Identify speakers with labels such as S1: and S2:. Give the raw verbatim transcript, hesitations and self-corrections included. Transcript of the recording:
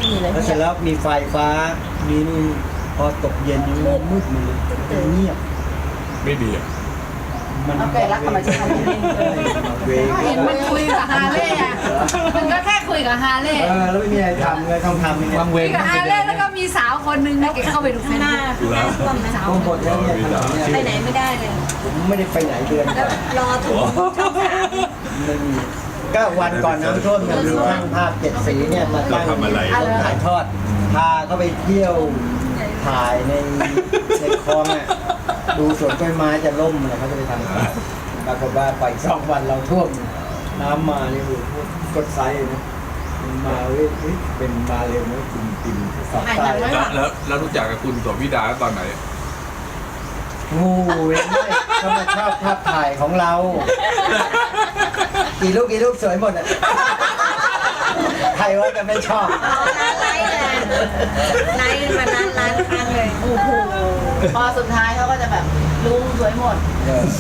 S1: มีเลย
S2: แล้วเสร็จแล้วมีไฟฟ้ามีนี่พอตกเย็นนี่มันมืดหมดเลยมันเงียบ
S3: ไม่ดีอ่ะ
S2: มัน
S1: เอาไก่รักธรรมชาตินี่เอง
S2: เวง
S4: เห็นมันคุยกับฮาเล่อะมันก็แค่คุยกับฮาเล่
S2: เออแล้วไม่มีอะไรทำเลยต้องทำยังไง
S3: วางเว
S4: คุ
S3: ง
S4: ยกับฮาเล่แล้วก็มีสาวคนนึงนะแกเข้าไปดูเฟซ
S1: หน้า
S4: บุ๊ก
S1: หน้าท่วมนะ
S4: สาว
S2: โอ้หมดแล้วเนี่ยถนนเนี่ย
S1: ไปไหนไม่ได้เลย
S2: ผมไม่ได้ไปไหนเดือน
S1: แล้วรอถึงช่องสาม
S2: ไม่มีก็วันก่อนน้ำท่วมเนี่ยมีช่างภาพเจ็ดสีเนี่ยมาตั้งถ่ายทอดพาเขาไปเที่ยวถ่ายในในคลองอ่ะดูสวนกล้วยไม้จะล่มอะไรเขาจะไปทำปรากฏว่าไปสองวันเราท่วมน้ำมานี่โอ้โหกดไซส์นะมันมาเว้ยเฮ้ยเป็นมาเร็วนะติ่มติ่มสอบใต้
S3: แล้วแล้วแล้วรู้จักกับคุณโสภิดาตอนไหน
S2: โอ้ยไม่เขามาชอบภาพถ่ายของเรา กี่ลูกกี่ลูกสวยหมดอ่ะใครว่าจะไม่ชอบ
S1: เอาร้านไลฟ์เลยไลฟ์มานานร้านครั้งเลย
S4: โอ้โหพอสุดท้ายเขาก็จะแบบลุงสวยหมด